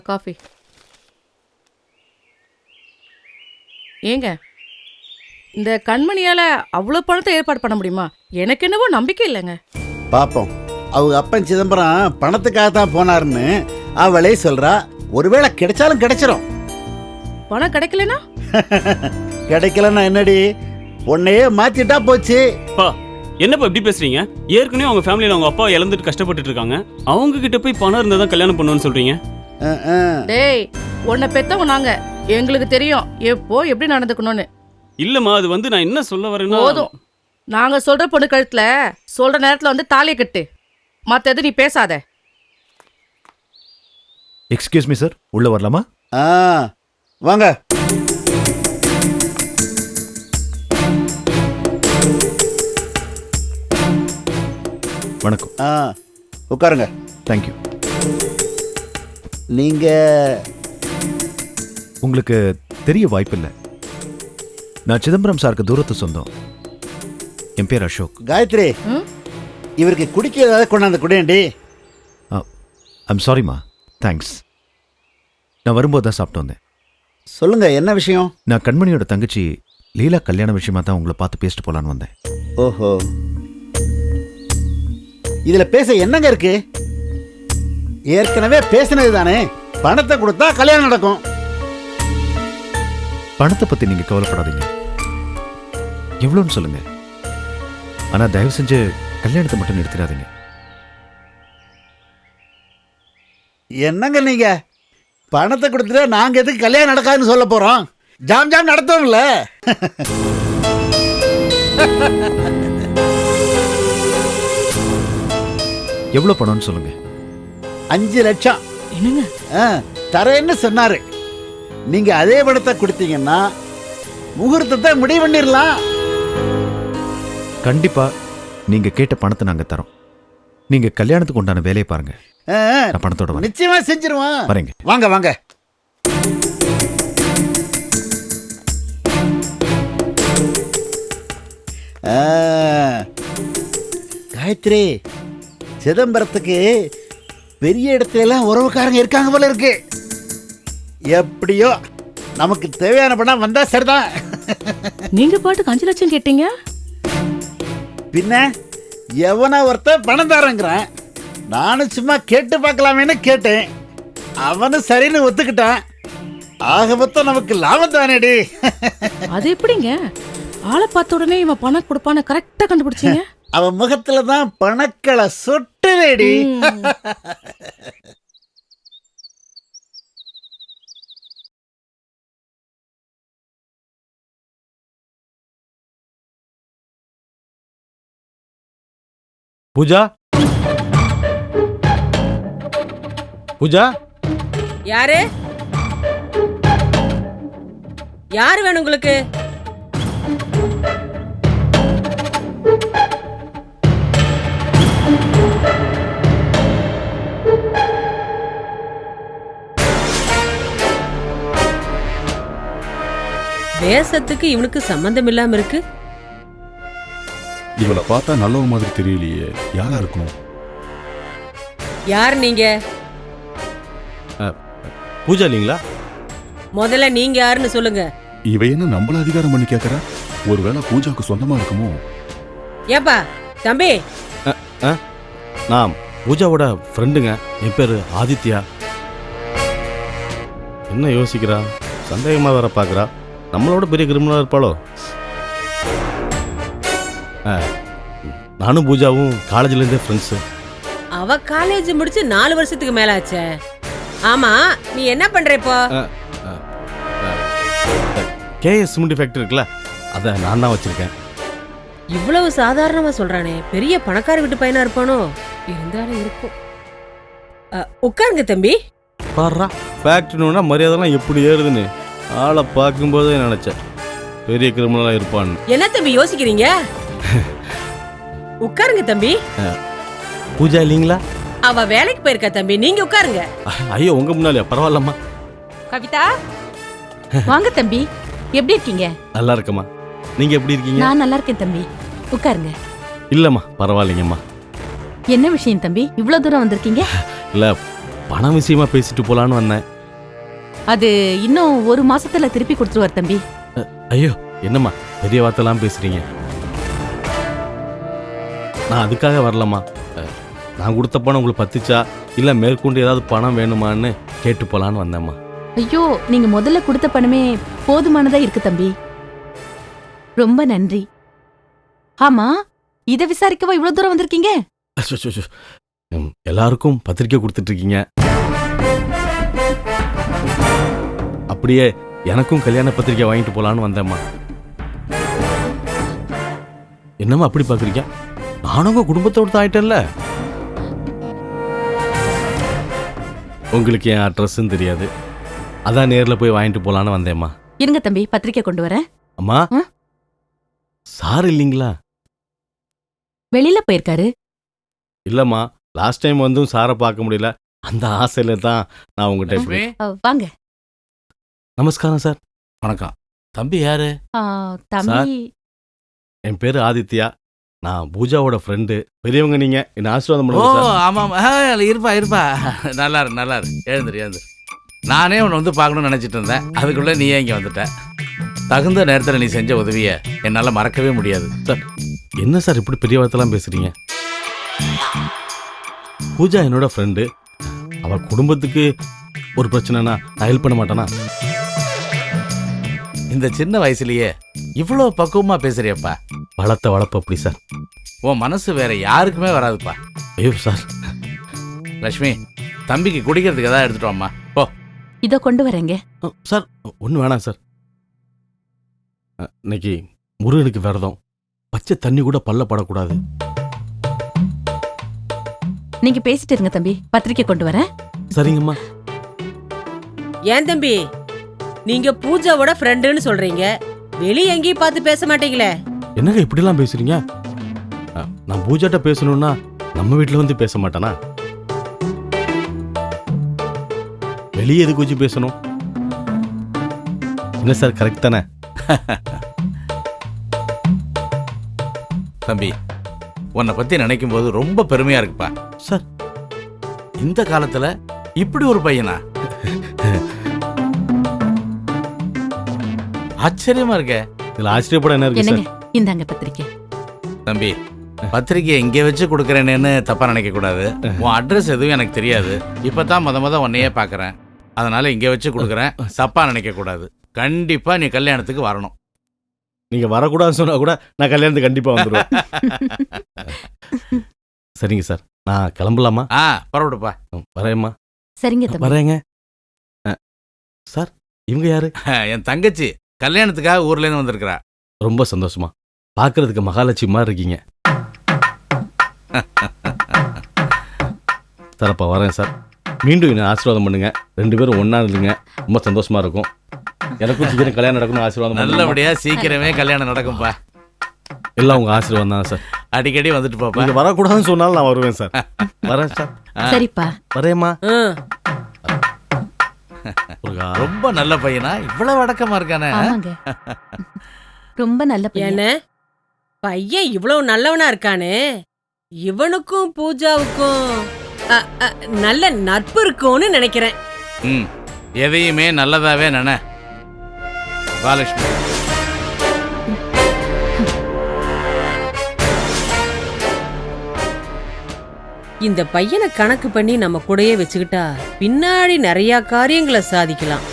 Coffee. ஏங்க இந்த கண்மணியால அவ்வளவு பணத்தை ஏற்பாடு பண்ண முடியுமா? எனக்கு என்னவோ நம்பிக்கை இல்லைங்க. பாப்போம். அவங்க அப்பன் சிதம்பரம் பணத்துக்காக தான் போனாருன்னு அவளே சொல்றா. ஒருவேளை கிடைச்சாலும் கிடைச்சிரும். பணம் கிடைக்கலனா? கிடைக்கலன்னா என்னடி, உன்னையே மாத்திட்டா போச்சு. என்னப்பா இப்படி பேசுறீங்க? ஏற்கனவே அவங்க ஃபேமிலியில அவங்க அப்பா இழந்துட்டு கஷ்டப்பட்டுட்டு இருக்காங்க. அவங்க கிட்ட போய் பணம் இருந்தா தான் கல்யாணம் பண்ணுவேன்னு சொல்றீங்க? டேய், உன்னை பெத்தவங்க நாங்க, எங்களுக்கு தெரியும் எப்போ எப்படி நடந்துக்கணும்னு. இல்லம்மா, அது வந்து நான் என்ன சொல்ல வரேன்னா, போதும். நாங்க சொல்ற பொண்ணு கழுத்துல சொல்ற நேரத்துல வந்து தாலியை கட்டு. மத்த நீ பேசாத. எக்ஸ்கியூஸ் மீ சார், உள்ள வரலாமா? வாங்க. வணக்கம். உட்காருங்க. தேங்க்யூ. நீங்க உங்களுக்கு தெரிய வாய்ப்பில்லை, நான் சிதம்பரம் சாருக்கு தூரத்து சொந்தம். என் பேர் அசோக். காயத்ரி, இவருக்கு குடிக்க ஏதாவது கொண்டாந்து குடியேண்டி. ஐம் சாரிம்மா. தேங்க்ஸ். நான் வரும்போது தான் சாப்பிட்டு வந்தேன். சொல்லுங்க, என்ன விஷயம்? நான் கண்மணியோட தங்கச்சி லீலா கல்யாண விஷயமா தான் உங்களை பார்த்து பேசிட்டு போலான்னு வந்தேன். ஓஹோ, இதுல பேச என்னங்க இருக்கு? ஏற்கனவே பேசினது தானே. பணத்தை கொடுத்தா கல்யாணம் நடக்கும். பணத்தை பத்தி நீங்க கவலைப்படாதீங்க. எவ்வளோன்னு சொல்லுங்க. ஆனா தயவு செஞ்சு கல்யாணத்தை மட்டும் நிறுத்திடாதீங்க. என்னங்க நீங்க, பணத்தை கொடுத்துட்டா நாங்க எதுக்கு கல்யாணம் நடக்காதுன்னு சொல்ல போறோம்? ஜாம் ஜாம் நடத்தோம்ல. எவ்வளவு பணம்னு சொல்லுங்க. 5 லட்சம். என்னங்க? தரேன்னு சொன்னாரு. நீங்க அதே பணத்தை கொடுத்தீங்கன்னா முகூர்த்தத்தை முடிவு பண்ணிடலாம். கண்டிப்பா நீங்க கேட்ட பணத்தை நாங்க தரோம். நீங்க கல்யாணத்துக்கு உண்டான வேலையை பாருங்க. நான் பணத்தோட வரேன். நிச்சயமா செஞ்சிருவோம். வரேங்க. வாங்க வாங்க. காயத்ரி, சிதம்பரத்துக்கு பெரிய இடத்துல எல்லாம் உறவுக்காரங்க இருக்காங்க போல இருக்கு. எப்படியோ நமக்கு தேவையான பணம் வந்தா சரிதான். நீங்க பாட்டுக்கு 5 லட்சம் கேட்டீங்க. பின்ன எவனா ஒருத்த பணம் தரங்கிறான். நானும் சும்மா கேட்டு பார்க்கலாமேன்னு கேட்டேன். அவனும் சரின்னு ஒத்துக்கிட்டான். ஆக மொத்தம் நமக்கு லாபம் தானேடி. அது எப்படிங்க? ஆளை பார்த்த உடனே இவன் பணம் கொடுப்பான்னு கரெக்டா கண்டுபிடிச்சீங்க? அவன் முகத்துல தான் பணக்களை சொட்டுவேடி. பூஜா, பூஜா. யாரு? யாரு வேணும் உங்களுக்கு? தேசத்துக்கு இவனுக்கு சம்பந்தம் இல்லாம இருக்கு. இவளை பார்த்தா நல்ல மாதிரி தெரியலையே. யாரா இருக்கும்? யார் நீங்க? பூஜா இல்லீங்களா? முதல்ல நீங்க யாருன்னு சொல்லுங்க. இவ என்ன நம்மள அதிகாரம் பண்ணி கேக்குறா? ஒருவேளை பூஜாக்கு சொந்தமா இருக்குமோ? ஏப்பா தம்பி. நான் பூஜாவோட ஃப்ரெண்டுங்க. என் பேரு ஆதித்யா. என்ன யோசிக்கிறா? சந்தேகமா வேற பாக்குறா. நம்மளோட பெரிய கிரிமினலா இருப்பாளோ? நானும் பூஜாவும் காலேஜ்ல இருந்தே ஃப்ரெண்ட்ஸு. அவ காலேஜ் முடிச்சு 4 வருஷத்துக்கு மேல ஆச்சே. ஆமா, நீ என்ன பண்ற இப்போ? கேஎஸ் சிமெண்ட் ஃபேக்டரி இருக்குல்ல, அதை நான் தான் வச்சிருக்கேன். இவ்வளவு சாதாரணமா சொல்றானே, பெரிய பணக்கார வீட்டு பையனா இருப்பானோ? இருந்தாலும் இருக்கும். உட்காருங்க தம்பி. பாடுறா, ஃபேக்டரினா மரியாதைலாம் எப்படி ஏறுதுன்னு ஆளை பார்க்கும்போதே நினைச்சேன் பெரிய கிரிமினலா இருப்பான்னு. என்ன தம்பி யோசிக்கிறீங்க? உட்காருங்க தம்பி. பூஜா இல்லீங்களா? அவ வேலைக்கு போயிருக்கா தம்பி, நீங்க உட்காருங்க. ஐயோ, உங்க முன்னாலே பரவாயில்லம்மா. கவிதா, வாங்க தம்பி. எப்படி இருக்கீங்க? நல்லா இருக்கம்மா. நீங்க எப்படி இருக்கீங்க? நான் நல்லா இருக்கேன் தம்பி. உட்காருங்க. இல்லம்மா, பரவாயில்லைங்கம்மா. என்ன விஷயம் தம்பி, இவ்வளவு தூரம் வந்திருக்கீங்க? இல்ல, பணம் விஷயமா பேசிட்டு போலான்னு வந்தேன். அது இன்னும் ஒரு மாசத்துல திருப்பி கொடுத்துருவார் தம்பி. ஐயோ என்னம்மா பெரிய வார்த்தைலாம் பேசுறீங்க. நான் அதுக்காக வரலம்மா. நான் கொடுத்த பணம் உங்களுக்கு பத்துச்சா இல்லை மேற்கொண்டு ஏதாவது பணம் வேணுமான்னு கேட்டு போலான்னு வந்தேம்மா. ஐயோ, நீங்க முதல்ல கொடுத்த பணமே போதுமானதா இருக்கு தம்பி. ரொம்ப நன்றி. ஆமா, இத விசாரிக்கவா இவ்வளவு தூரம் வந்திருக்கீங்க? அச்சச்சோ. எல்லாருக்கும் பத்திரிக்கை கொடுத்துட்டு இருக்கீங்க, அப்படியே எனக்கும் கல்யாண பத்திரிக்கை வாங்கிட்டு போலான்னு வந்தேம்மா. என்னம்மா அப்படி பாக்குறீங்க? நானும் உங்க குடும்பத்தோடு தான் ஆயிட்டேன்ல. உங்களுக்கு என் அட்ரஸும் தெரியாது, அதான் நேர்ல போய் வாங்கிட்டு போலான்னு வந்தேம்மா. இருங்க தம்பி, பத்திரிக்கை கொண்டு வரேன். அம்மா, சார் இல்லைங்களா? வெளியில போயிருக்காரு. இல்லம்மா, லாஸ்ட் டைம் வந்தும் சாரை பார்க்க முடியல, அந்த ஆசையில தான் நான் உங்ககிட்ட இப்படி. வாங்க. நமஸ்காரம் சார். வணக்கம். தம்பி யாரு? தம்பி என் பேரு ஆதித்யா, நான் பூஜாவோட ஃப்ரெண்டு. பெரியவங்க நீங்க, என்ன ஆசீர்வாதம் பண்ணுங்க சார். ஆமாம், இருப்பா நல்லா இரு எழுந்துரு. நானே உன்னை வந்து பார்க்கணும்னு நினச்சிட்டு இருந்தேன், அதுக்குள்ளே நீயே இங்கே வந்துட்ட. தகுந்த நேரத்தில் நீ செஞ்ச உதவியை என்னால் மறக்கவே முடியாது. சார் என்ன சார் இப்படி பெரிய வார்த்தைலாம் பேசுறீங்க? பூஜா என்னோட ஃப்ரெண்டு, அவ குடும்பத்துக்கு ஒரு பிரச்சனைனா நான் ஹெல்ப் பண்ண மாட்டேனா? இந்த சின்ன வயசுலயே இவ்வளோ பக்குவமாக பேசுறியப்பா. வளர்ப்பு அப்படி சார். உன் மனசு வேற யாருக்குமே வராதுப்பா. ஐயோ சார். லக்ஷ்மி, தம்பிக்கு குடிக்கிறதுக்கு எதாவது எடுத்துட்டு வாம்மா. போ. இத கொண்டு வரேங்க. சார் ஒன்றும் வேணாம் சார். இன்னைக்கு முருகனுக்கு விரதம், பச்சை தண்ணி கூட பல்ல படக்கூடாது. நீங்க பேசிட்டு இருங்க தம்பி, பத்திரிக்கை கொண்டு வரேன். சரிங்கம்மா. ஏன் தம்பி, நீங்க பூஜாவோட ஃப்ரெண்டுன்னு சொல்றீங்க, வெளிய எங்கேயும் பார்த்து பேச மாட்டீங்களே? என்னங்க இப்படிலாம் பேசுறீங்க? நான் பூஜாட்ட பேசணும்னா நம்ம வீட்டில் வந்து பேச மாட்டேனா? வெளியே எதுக்கு வச்சு பேசணும்? என்ன சார், கரெக்ட் தானே? தம்பி, உன்னை பற்றி நினைக்கும் போது ரொம்ப பெருமையா இருக்குப்பா. சார் இந்த காலத்துல இப்படி ஒரு பையனா? ஆச்சரியமா இருக்க. இதுல ஆச்சரியப்பட என்ன இருக்கு என்னங்க, சார்? இந்தாங்க பத்திரிக்கை. தம்பி, பத்திரிக்கை இங்கே வச்சு கொடுக்குறேன்னு தப்பா நினைக்க கூடாது. உன் அட்ரஸ் எதுவும் எனக்கு தெரியாது, இப்பதான் முத உன்னையே பார்க்கறேன், அதனால இங்கே வச்சு கொடுக்குறேன், தப்பா நினைக்க கூடாது. கண்டிப்பா நீ கல்யாணத்துக்கு வரணும். நீங்க வரக்கூடாதுன்னு சொன்னா கூட நான் கல்யாணத்துக்கு கண்டிப்பா வந்துடுவேன். சரிங்க சார், நான் கிளம்பலாமா? பரவாயில்லப்பா. வரேம்மா. சரிங்க தம்பி. வரேங்க. சார் இவங்க யாரு? என் தங்கச்சி கல்யாணத்துக்காக ஊர்ல இருந்து வந்திருக்கிறா. ரொம்ப சந்தோஷமா. பார்க்கறதுக்கு மகாலட்சுமி மாதிரி இருக்கீங்க. தரப்பா வரேன் சார். மீண்டும் என்ன ஆசீர்வாதம் பண்ணுங்க. 2 பேரும் ஒண்ணா இருந்துங்க, ரொம்ப சந்தோஷமா இருக்கும். எனக்கும் சீக்கிரம் கல்யாணம் நடக்கணும், ஆசீர்வாதம் பண்ணுங்க. நல்லபடியா சீக்கிரமே கல்யாணம் நடக்கும்பா. எல்லாம் உங்க ஆசீர்வாதம் தான் சார். அடிக்கடி வந்துட்டு போப்பா. நீங்க வரக்கூடாதுன்னு சொன்னாலும் நான் வருவேன் சார். வரேன் சார். சரிப்பா. வரேம்மா. ரொம்ப நல்ல பையனா, இவ்வளவு அடக்கமா இருக்கானே. ஆமாங்க, ரொம்ப நல்ல பையன். என்ன பையன் இவ்வளவு நல்லவனா இருக்கானே, இவனுக்கும் பூஜாவுக்கும் நல்ல நட்பு இருக்கும்னு நினைக்கிறேன். எதையுமே நல்லதாவே நினை. பாலட்சுமி, இந்த பையனை கணக்கு பண்ணி நம்ம கூடயே வச்சுக்கிட்டா பின்னாடி நிறைய காரியங்களை சாதிக்கலாம்.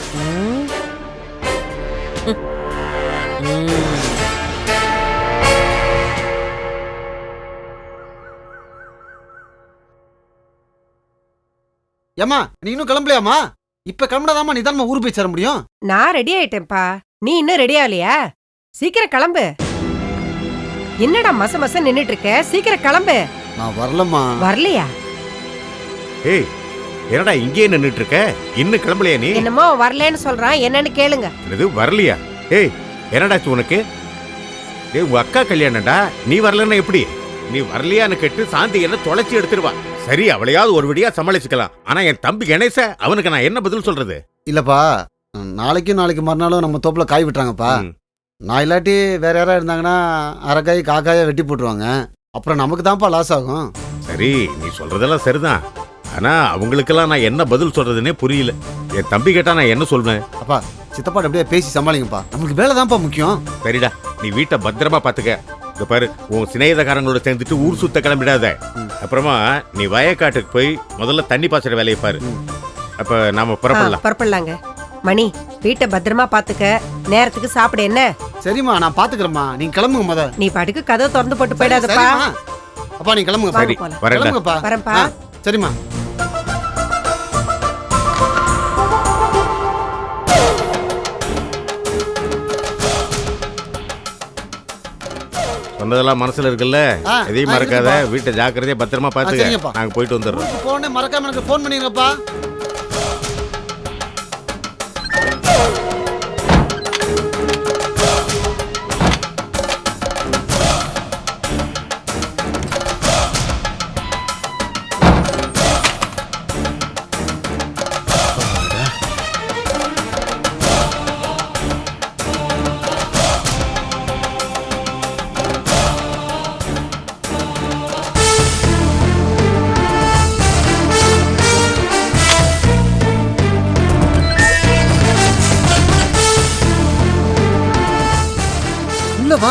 ஏமா, நீ இன்னும் கிளம்பலையாமா? இப்ப கிளம்பினாதாமா நீ தான் ஊர் போய் சேர முடியும். நான் ரெடி ஆயிட்டேன்ப்பா, நீ இன்னும் ரெடி ஆகலையா? சீக்கிரம் கிளம்பு. என்னடா மச நின்னுட்டு இருக்க? சீக்கிரம் கிளம்பு. நான் வரலம்மா. வரலையா? ஏய், என்னடா இங்கே நின்னுட்டு இருக்க? இன்னும் கிளம்பலையா நீ? என்னமோ வரலன்னு சொல்றான், என்னன்னு கேளுங்க. இது வரலையா? ஏய், என்னடாச்சு உனக்கு? ஏய், உங்க அக்கா கல்யாணம்டா, நீ வரலன்னா எப்படி? நீ வரலையான்னு கேட்டு சாந்தி என்ன தொலைச்சி எடுத்துருவா. சரி, அவளையாவது ஒரு வழியா சமாளிச்சுக்கலாம். ஆனா என் தம்பி கணேச, அவனுக்கு நான் என்ன பதில் சொல்றது? இல்லப்பா, நாளைக்கு மறுநாளும் நம்ம தோப்புல காய் விட்டுறாங்கப்பா. நான் இல்லாட்டி வேற யாரா இருந்தாங்கன்னா அரைக்காய் காக்காய வெட்டி போட்டுருவாங்க. அப்புறம் நமக்கு தான்ப்பா லாஸ் ஆகும். சரி, நீ சொல்றதெல்லாம் சரிதான். ஆனா அவங்களுக்கெல்லாம் நான் என்ன பதில் சொல்றதுன்னே புரியல. என் தம்பி கேட்டா நான் என்ன சொல்வேன்? அப்பா சித்தப்பாட்ட அப்படியே பேசி சமாளிங்கப்பா, நம்மளுக்கு வேலை தான்ப்பா முக்கியம். சரிடா, நீ வீட்டை பத்திரமா பாத்துக்க. இந்த பாரு, உன் சிநேகிதக்காரங்களோட சேர்ந்துட்டு ஊர் சுத்த கிளம்பிடாத. அப்புறமா நீ வயக்காட்டுக்கு போய் முதல்ல தண்ணி பாய்ச்சற வேலையை பாரு. அப்ப நாம புறப்படலாம். புறப்படலாங்க. மணி, வீட்டை பத்திரமா பாத்துக்க, நேரத்துக்கு சாப்பிட என்ன? சரிம்மா, நான் பாத்துக்கிறேம்மா, நீங்க கிளம்புங்க முத. நீ பாட்டுக்கு கதவை திறந்து போட்டு போயிடாதப்பா. சரிம்மா. அப்பா நீங்க கிளம்புங்க. சரி, வரேன்டா. கிளம்புங்கப்பா. வரேன்ப்பா. சரிம்மா. சொன்னதெல்லாம் மனசுல இருக்குல்ல, எதையும் மறக்காத. வீட்டை ஜாக்கிரதையா பத்திரமா பாத்துக்க. நாங்க போயிட்டு வந்துடுறோம். போனே மறக்காம எனக்கு ஃபோன் பண்ணிருங்கப்பா. வா.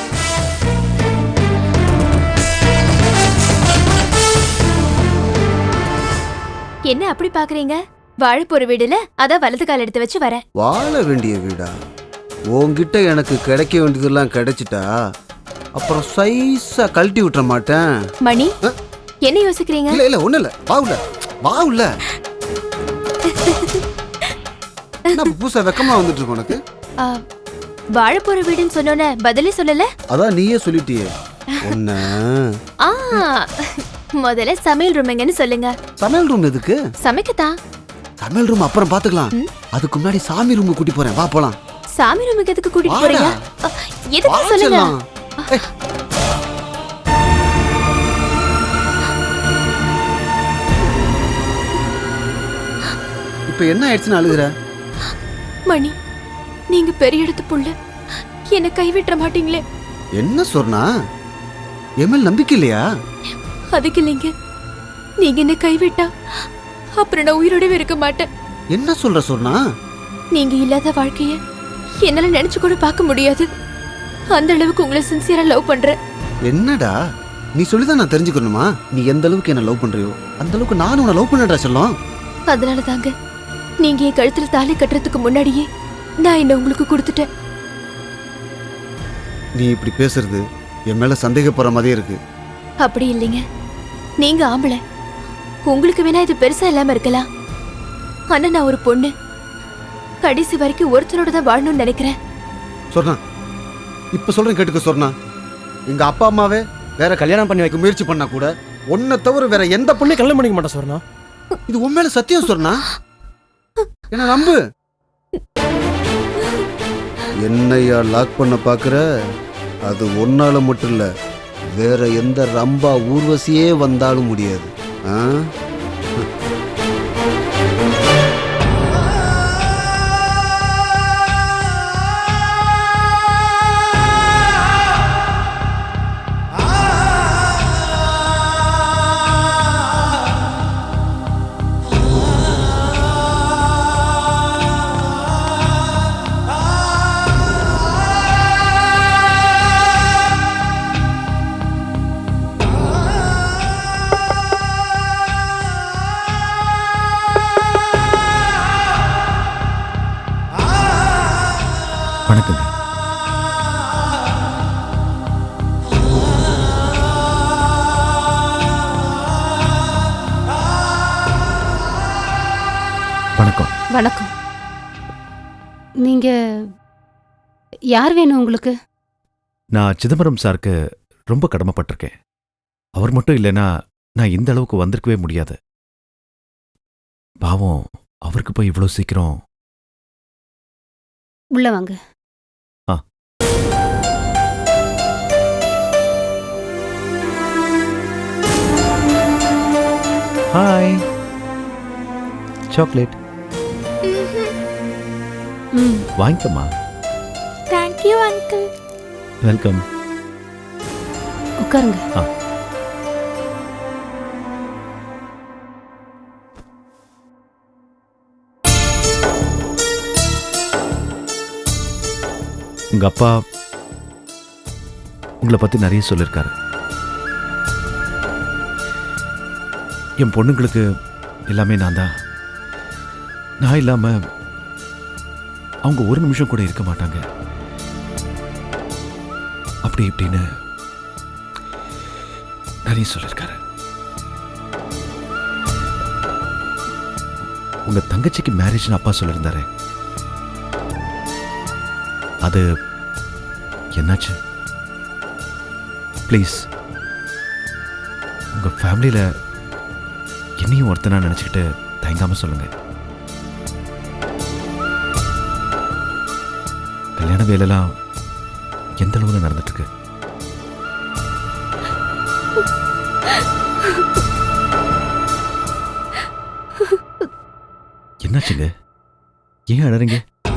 என்ன அப்படி பாக்குறீங்க? வாழ போற வீடுல அத வலது கால் எடுத்து வச்சு வரேன். வாழ வேண்டிய வீடா? உன்கிட்ட எனக்கு கிடைக்க வேண்டியதெல்லாம் கிடைச்சிட்டா அப்புறம் சைஸா கழட்டி விட்டுற மாட்டேன். மணி, என்ன யோசிக்கிறீங்க? இல்ல இல்ல ஒண்ணு இல்ல, வா உள்ள. என்ன புதுசா வெக்கமா வந்துட்டு இருக்கு உனக்கு? வாழ போற வீடுன்னு சொன்னோனே பதிலே சொல்லல. அதான் நீயே சொல்லிட்டியே. ஒண்ணு முதல்ல சமையல் ரூம் எங்கன்னு சொல்லுங்க. சமையல் ரூம் எதுக்கு? சமைக்கத்தான். சமையல் ரூம் அப்புறம் பாத்துக்கலாம். அதுக்கு முன்னாடி சாமி ரூமுக்கு கூட்டி போறேன், வா போலாம். சாமி ரூமுக்கு எதுக்கு கூட்டிட்டு போறீங்க? எதுக்கு சொல்லுங்க. இப்ப என்ன ஆயிடுச்சுன்னு அழுகுற? மணி, நீங்க பெரிய இடத்து புள்ள, என்ன கைவிட்ட மாட்டீங்களே? என்ன சொன்னா? எம்எல் நம்பிக்கை இல்லையா? அதுக்கு இல்லைங்க, நீங்க என்ன கைவிட்டா அப்புறம் நான் உயிரோடவே இருக்க மாட்டேன். என்ன சொல்ற சொன்னா? நீங்க இல்லாத வாழ்க்கைய என்னால நினைச்சு கூட பார்க்க முடியாது. அந்த அளவுக்கு உங்களை சின்சியரா லவ் பண்றேன். என்னடா நீ சொல்லிதான் நான் தெரிஞ்சுக்கணுமா? நீ எந்த அளவுக்கு என்ன லவ் பண்றியோ அந்த அளவுக்கு நானும் உன்னை லவ் பண்ணடா சொல்லும். அதனால தாங்க நீங்க என் கழுத்துல தாலி கட்டுறதுக்கு முன்னாடியே நான் என்ன உங்களுக்கு கொடுத்துட்டேன். நீ இப்படி பேசுறது என் மேல சந்தேகப்படுற மாதிரியே இருக்கு. அப்படி இல்லைங்க, நீங்க ஆம்பளை, உங்களுக்கு வேணா இது பெருசா இல்லாம இருக்கலாம். ஆனா நான் ஒரு பொண்ணு, கடைசி வரைக்கும் ஒருத்தரோட தான் வாழணும்னு நினைக்கிறேன். சொன்னா இப்ப சொல்றேன் கேட்டுக்க. சொன்னா எங்க அப்பா அம்மாவே வேற கல்யாணம் பண்ணி வைக்க முயற்சி பண்ணா கூட உன்னை தவிர வேற எந்த பொண்ணை கல்யாணம் பண்ணிக்க மாட்டா சொன்னா. இது உன் மேல சத்தியம் சொன்னா. என்ன நம்பு. என்னையா லாக் பண்ண பாக்குற? அது ஒன்னால மட்டும் இல்ல, வேற எந்த ரம்பா ஊர்வசியே வந்தாலும் முடியாது. வணக்கங்க. வணக்கம். வணக்கம். நீங்க யார் வேணும் உங்களுக்கு? நான் சிதம்பரம் சாருக்கு ரொம்ப கடமைப்பட்டிருக்கேன். அவர் மட்டும் இல்லைன்னா நான் இந்த அளவுக்கு வந்திருக்கவே முடியாது. பாவம், அவருக்கு போய் இவ்வளோ சீக்கிரம். உள்ள வாங்க. ஹாய். சாக்லேட் வாங்கிக்கம்மா. Thank you uncle. வெல்கம். உட்காருங்க. உங்க அப்பா உங்களை பத்தி நிறைய சொல்லியிருக்காரு. என் பொண்ணுங்களுக்கு எல்லாமே நான் தான். நான் இல்லாம அவங்க ஒரு நிமிஷம் கூட இருக்க மாட்டாங்க. அப்படி இப்படின்னு நிறைய சொல்லியிருக்காரு. உங்க தங்கச்சிக்கு மேரேஜ்னு அப்பா சொல்லியிருந்தாரு. அது என்னாச்சு? ப்ளீஸ் உங்க ஃபேமிலியில என்னையும் ஒருத்தனா நினைச்சுக்கிட்டு தயங்காம சொல்லுங்க. கல்யாண வேலைலாம் எந்த அளவுல நடந்துட்டு இருக்கு? என்னாச்சுங்க? ஏன் அழறீங்க?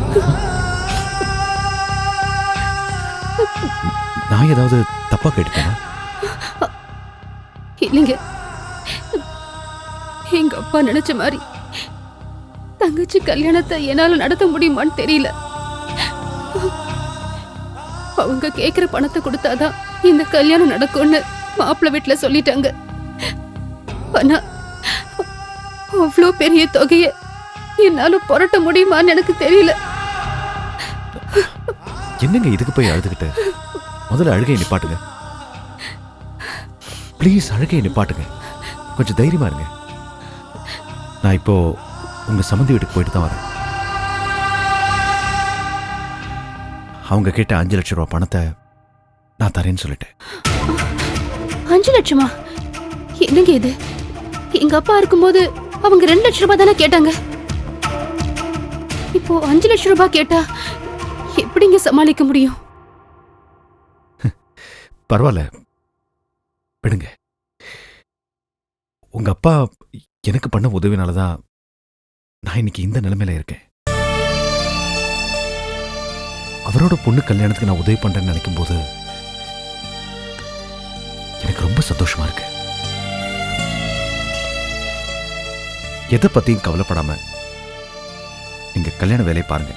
நான் ஏதாவது தப்பா கேட்டுட்டேனா? இல்லைங்க, எங்க அப்பா நினைச்ச மாதிரி தங்கச்சி கல்யாணத்தை என்னால நடத்த முடியுமான்னு தெரியல. அவங்க கேக்குற பணத்தை கொடுத்தாதான் இந்த கல்யாணம் நடக்கும்னு மாப்பிள்ளை வீட்டுல சொல்லிட்டாங்க. ஆனா அவ்வளோ பெரிய தொகைய என்னால புரட்ட முடியுமான்னு எனக்கு தெரியல. என்னங்க இதுக்கு போய் அழுதுகிட்டு? முதல்ல அழுகையை நிப்பாட்டுங்க. ப்ளீஸ் அழுகையை நிப்பாட்டுங்க. கொஞ்சம் தைரியமா இருங்க. நான் இப்போ உங்க சம்மந்தி வீட்டுக்கு போயிட்டு தான் வரேன். அவங்க கேட்ட 5 லட்சம் ரூபாய் பணத்தை நான் தரேன்னு சொல்லிட்டேன். 5 லட்சமா? என்னங்க இது? எங்க அப்பா இருக்கும்போது அவங்க 2 லட்சம் ரூபாய் தானே கேட்டாங்க. இப்போ 5 லட்சம் ரூபாய் கேட்டா எப்படிங்க சமாளிக்க முடியும்? பரவாயில்ல, விடுங்க. உங்க அப்பா எனக்கு பண்ண உதவினாலதான் நான் இன்னைக்கு இந்த நிலைமையில இருக்கேன். அவரோட பொண்ணு கல்யாணத்துக்கு நான் உதவி பண்றேன்னு நினைக்கும் போது எனக்கு ரொம்ப சந்தோஷமா இருக்கு. எதை பத்தியும் கவலைப்படாம நீங்க கல்யாண வேலையை பாருங்க.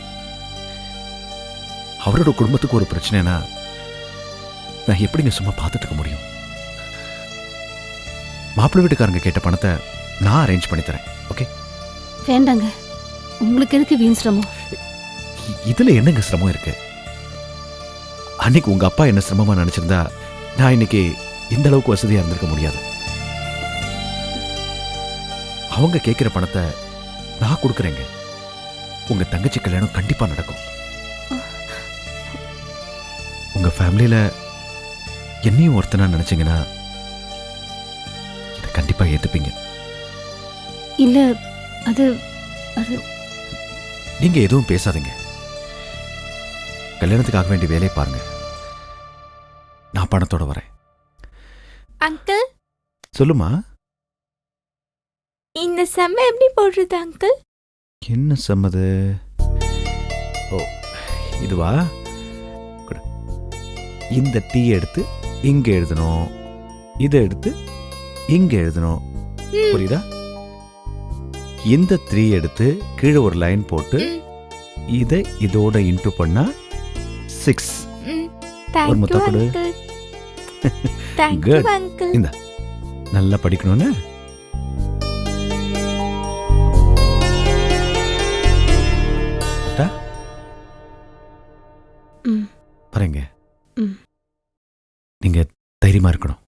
அவரோட குடும்பத்துக்கு ஒரு பிரச்சனைனா நான் எப்படிங்க சும்மா பார்த்துட்டு இருக்க முடியும்? மாப்பிள்ளை வீட்டுக்காரங்க கேட்ட பணத்தை நான் அரேஞ்ச் பண்ணி தரேன். ஓகே? வேண்டாங்க, உங்களுக்கு எதுக்கு வீண் சிரமம்? இதுல என்னங்க சிரமம் இருக்கு? அன்னைக்கு உங்க அப்பா என்ன சிரமமா நினைச்சிருந்தா நான் இன்னைக்கு இந்த அளவுக்கு வசதியா இருந்திருக்க முடியாது. அவங்க கேட்கிற பணத்தை நான் கொடுக்குறேங்க. உங்க தங்கச்சி கல்யாணம் கண்டிப்பா நடக்கும். உங்க ஃபேமிலியில என்னையும் ஒருத்தனா நினைச்சீங்கன்னா இதை கண்டிப்பா ஏத்துப்பீங்க. இல்ல, அது அது நீங்க எதுவும் பேசாதீங்க. கல்யாணத்துக்காக வேண்டிய வேலையை பாருங்க. நான் பணத்தோட வரேன். அங்கிள், சொல்லுமா. இந்த செம்ம எப்படி போடுறது அங்கிள்? என்ன சம்மது? ஓ, இதுவா? குடு. இந்த டீ எடுத்து இங்க எழுதணும், இதை எடுத்து இங்க எழுதணும். புரியுதா? இந்த 3 எடுத்து கீழே ஒரு லைன் போட்டு இதை இதோட இன்டு பண்ணா 6. ஒரு முத்த கொடு. குட். இந்த நல்லா படிக்கணும்னு. பாருங்க, நீங்க தைரியமா இருக்கணும்.